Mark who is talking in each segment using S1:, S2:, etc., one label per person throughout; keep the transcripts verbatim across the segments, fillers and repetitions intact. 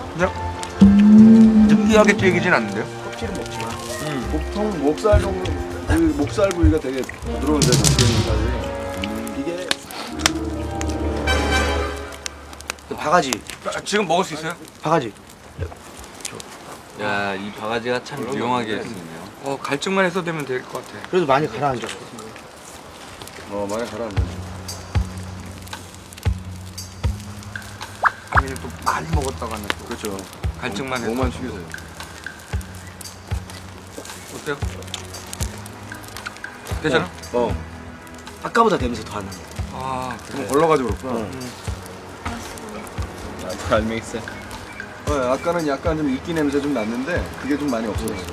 S1: 그냥 느끼하게 튀기진 않는데요?
S2: 껍질은 먹지 마.
S3: 음. 보통 목살 정도 그 목살 부위가 되게 부드러운데 목살이 음. 이게
S2: 바가지.
S1: 아, 지금 먹을 수 있어요?
S2: 바가지.
S4: 야, 이 바가지가 참 유용하게 쓰네요.
S1: 어, 갈증만 해서 되면 될 것 같아.
S2: 그래도 많이 가라앉아.
S3: 어 많이 가라앉아.
S1: 아니면 또 많이 먹었다가 하면 또
S3: 그렇죠.
S1: 갈증만 해서.
S3: 목만 숙이세요.
S1: 어때요? 괜찮아?
S3: 어.
S2: 아까보다 냄새 더 안 나.
S1: 아,
S3: 좀 걸러가지고 그렇구나.
S2: 응.
S4: 잘 믹스.
S3: 어, 아까는 약간 좀 이끼 냄새 좀 났는데 그게 좀 많이 없어졌어.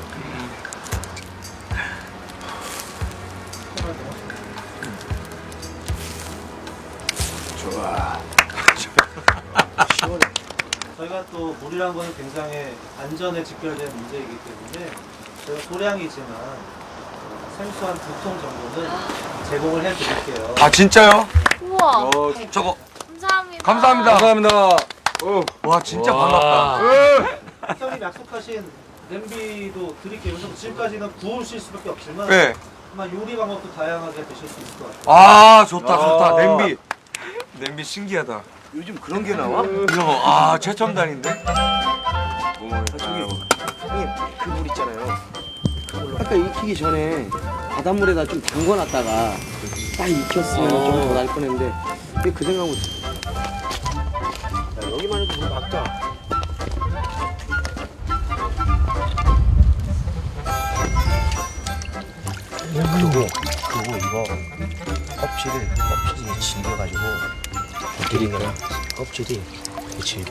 S3: 좋아.
S2: 시원해.
S5: 저희가 또 물이란 것은 굉장히 안전에 직결된 문제이기 때문에 저희가 소량이지만 생수 한 두 통 정도는 제공을 해드릴게요.
S1: 아 진짜요?
S6: 우와.
S3: 어,
S1: 저거
S6: 감사합니다.
S1: 감사합니다.
S3: 감사합니다. 어.
S1: 와 진짜
S4: 와.
S1: 반갑다.
S5: 형님 약속하신 냄비도 드릴게요. 그래서 지금까지는 구우실 수밖에 없지만
S1: 네.
S5: 아마 요리 방법도 다양하게 드실 수 있을 것 같아요.
S1: 아 좋다 좋다.
S3: 아.
S1: 냄비. 냄비 신기하다.
S2: 요즘 그런 게 나와?
S1: 이거 아 최첨단인데?
S3: 뭐,
S2: 저기 형님 그 물 있잖아요. 아까 익히기 전에 바닷물에다 좀 담궈놨다가 딱 익혔으면 좀 더 날 뻔했는데 근데 그 생각은 야, 여기만 해도 물 막다. 그리고 그리고 이거 껍질을 껍질이 질겨가지고 기름이랑 껍질이 되게 질겨.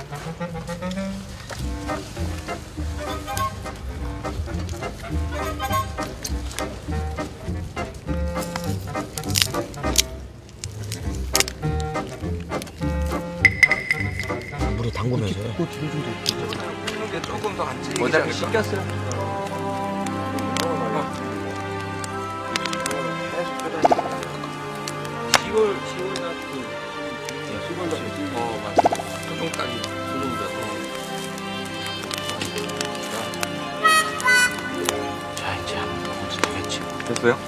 S2: 물에 담그면서 해.
S1: 이게 조금 더안 찌게.
S4: 모자를 씻겼어요.
S1: 시골 시골 같은.
S3: 시골 같은.
S1: 어 맞아. 소중 따기.
S2: 자 이제 한번 먹어도 되겠지.
S1: 됐어요?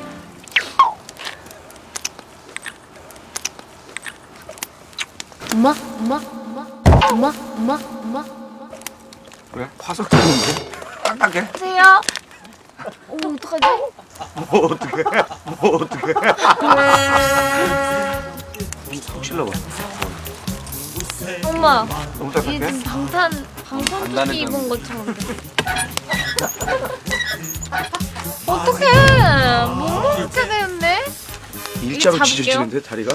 S6: 엄마, 엄마, 엄마, 엄마, 엄마, 엄마.
S1: 왜? 화석 튀는데? 딱딱해?
S6: 안녕하세요. 오, 어떡하지?
S2: 뭐 어떻게? 뭐 어떻게? 속 찔러봐.
S6: 엄마,
S1: 너무
S6: 이게
S1: 딱딱해?
S6: 지금 방탄, 방탄조끼 입은 것처럼 돼. 어떡해. 못 먹게 되는데?
S2: 일자로
S6: 이거 잡을게요.
S2: 지져지는데 다리가?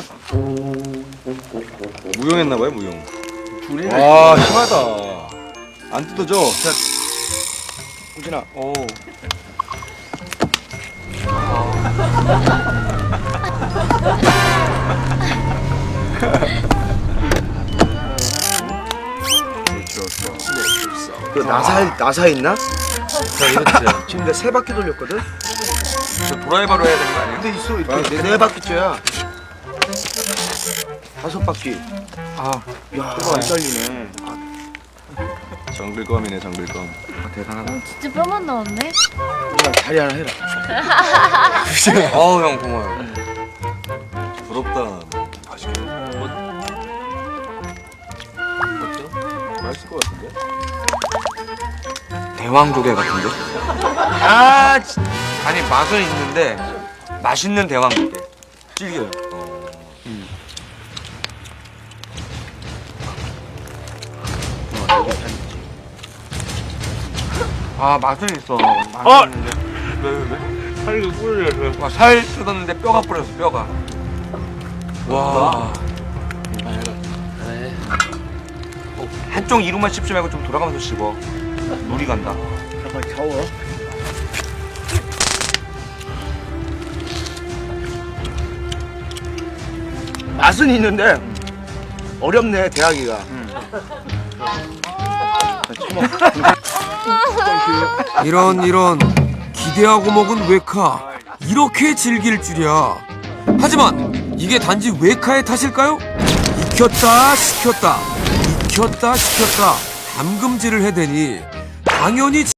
S3: 무용했나봐요 무용.
S2: 둘이.
S3: 와 심하다. 안 뜯어져. 자,
S2: 호진아.
S1: 오.
S2: 그 나사 나사 있나?
S4: 자, 이거 드세요.
S2: 지금 내가 세 바퀴 돌렸거든.
S1: 저 드라이버로 해야 되는 거 아니에요?
S2: 근데 있어 이렇게 네, 네 바퀴째야. 다섯 바퀴.
S1: 아,
S2: 야, 안 잘리네.
S3: 정글검이네 정글검.
S1: 아 대단하다.
S6: 어, 진짜 뼈만 나왔네?
S2: 호진아 다리 하나 해라.
S1: 어우 형 고마워요.
S3: 부럽다. 맛있겠네.
S4: 어때요?
S3: 맛있을 것 같은데?
S1: 대왕조개 같은데? 아, 진- 아니 맛은 있는데 맛있는 대왕조개. 질겨요. 음. 아 맛은 있어. 맛은 있는데 왜 왜 왜? 살이 뿌려져. 와살 뜯었는데 뼈가 뿌렸어 뼈가. 와. 어, 한쪽 이루만 씹지 말고 좀 돌아가면서 씹어. 물이 간다.
S2: 잠깐 겨워. 맛은 있는데 어렵네 대하기가.
S7: 이런 이런 기대하고 먹은 외카 이렇게 즐길 줄이야. 하지만 이게 단지 외카의 탓일까요? 익혔다 식혔다 익혔다 식혔다 담금질을 해대니 당연히